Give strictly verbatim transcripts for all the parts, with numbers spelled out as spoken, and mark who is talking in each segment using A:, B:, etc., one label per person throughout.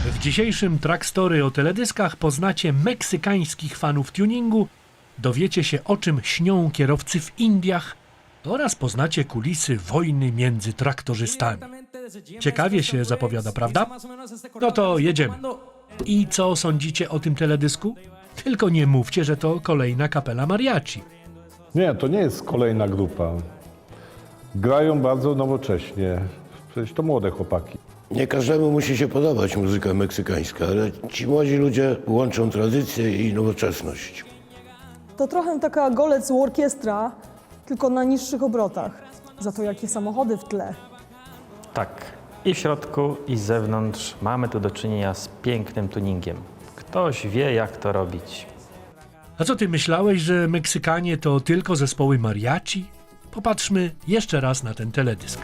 A: W dzisiejszym Track Story o teledyskach poznacie meksykańskich fanów tuningu, dowiecie się, o czym śnią kierowcy w Indiach oraz poznacie kulisy wojny między traktorzystami. Ciekawie się zapowiada, prawda? No to jedziemy. I co sądzicie o tym teledysku? Tylko nie mówcie, że to kolejna kapela mariachi.
B: Nie, to nie jest kolejna grupa. Grają bardzo nowocześnie. Przecież to młode chłopaki.
C: Nie każdemu musi się podobać muzyka meksykańska, ale ci młodzi ludzie łączą tradycję i nowoczesność.
D: To trochę taka golec u orkiestra, tylko na niższych obrotach. Za to jakie samochody w tle.
E: Tak, i w środku, i z zewnątrz mamy tu do czynienia z pięknym tuningiem. Ktoś wie, jak to robić.
A: A co ty myślałeś, że Meksykanie to tylko zespoły mariachi? Popatrzmy jeszcze raz na ten teledysk.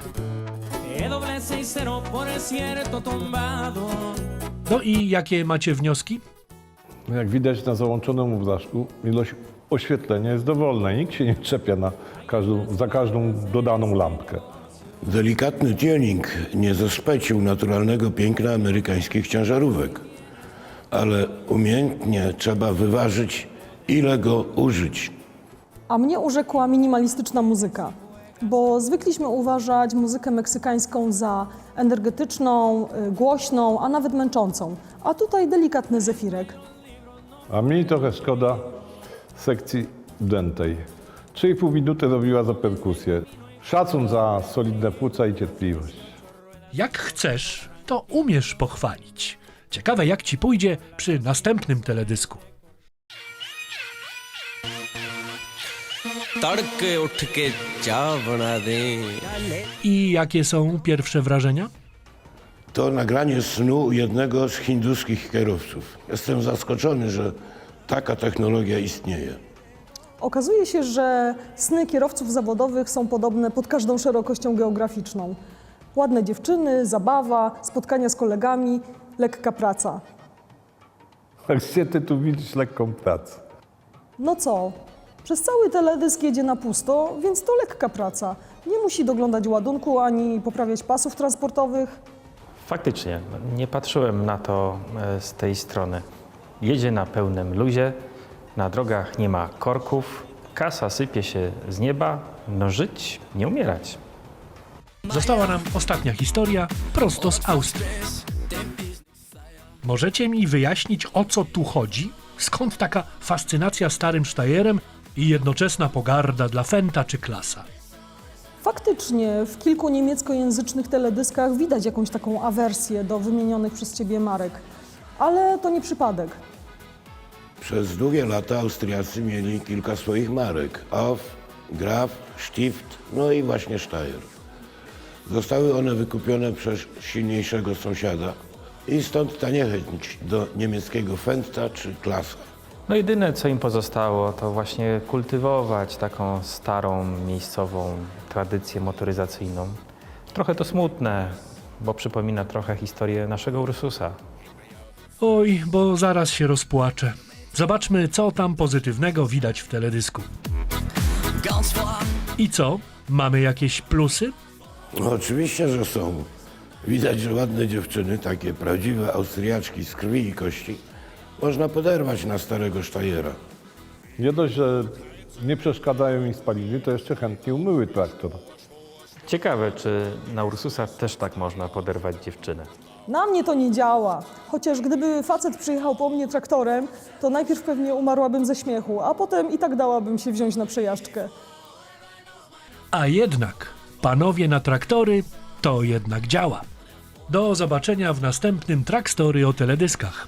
A: No i jakie macie wnioski?
B: Jak widać na załączonym obrazku, ilość oświetlenia jest dowolna. Nikt się nie czepia na każdą, za każdą dodaną lampkę.
C: Delikatny tuning nie zaszpecił naturalnego piękna amerykańskich ciężarówek, ale umiejętnie trzeba wyważyć, ile go użyć.
D: A mnie urzekła minimalistyczna muzyka, bo zwykliśmy uważać muzykę meksykańską za energetyczną, y, głośną, a nawet męczącą. A tutaj delikatny zefirek.
B: A mi trochę szkoda sekcji dętej. trzy i pół minuty robiła za perkusję. Szacun za solidne płuca i cierpliwość.
A: Jak chcesz, to umiesz pochwalić. Ciekawe, jak ci pójdzie przy następnym teledysku.
F: तड़के उठ के चाय बना दें।
A: I jakie są pierwsze wrażenia?
C: To nagranie snu jednego z hinduskich kierowców. Jestem zaskoczony, że taka technologia istnieje.
D: Okazuje się, że sny kierowców zawodowych są podobne pod każdą szerokością geograficzną. Ładne dziewczyny, zabawa, spotkania z kolegami, lekka praca.
B: Gdzie ty tu widzisz lekką pracę?
D: No co? Przez cały teledysk jedzie na pusto, więc to lekka praca. Nie musi doglądać ładunku ani poprawiać pasów transportowych.
E: Faktycznie, no, nie patrzyłem na to e, z tej strony. Jedzie na pełnym luzie, na drogach nie ma korków, kasa sypie się z nieba, no żyć, nie umierać.
A: Została nam ostatnia historia prosto z Austrii. Możecie mi wyjaśnić, o co tu chodzi? Skąd taka fascynacja starym Steyerem i jednoczesna pogarda dla Fendta czy Klasa?
D: Faktycznie w kilku niemieckojęzycznych teledyskach widać jakąś taką awersję do wymienionych przez ciebie marek. Ale to nie przypadek.
C: Przez długie lata Austriacy mieli kilka swoich marek. Off, Graf, Stift, no i właśnie Steyr. Zostały one wykupione przez silniejszego sąsiada i stąd ta niechęć do niemieckiego Fendta czy Klasa.
E: No jedyne, co im pozostało, to właśnie kultywować taką starą, miejscową tradycję motoryzacyjną. Trochę to smutne, bo przypomina trochę historię naszego Ursusa.
A: Oj, bo zaraz się rozpłaczę. Zobaczmy, co tam pozytywnego widać w teledysku. I co? Mamy jakieś plusy?
C: No, oczywiście, że są. Widać, że ładne dziewczyny, takie prawdziwe Austriaczki z krwi i kości, można poderwać na starego Steyera.
B: Nie dość, że nie przeszkadzają im spaliny, to jeszcze chętnie umyły traktor.
E: Ciekawe, czy na Ursusa też tak można poderwać dziewczynę.
D: Na mnie to nie działa. Chociaż gdyby facet przyjechał po mnie traktorem, to najpierw pewnie umarłabym ze śmiechu, a potem i tak dałabym się wziąć na przejażdżkę.
A: A jednak, panowie na traktory, to jednak działa. Do zobaczenia w następnym Track Story o teledyskach.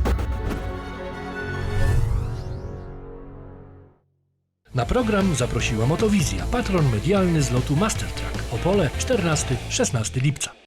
A: Na program zaprosiła Motowizja, patron medialny z lotu Mastertrack, Opole czternastego do szesnastego lipca.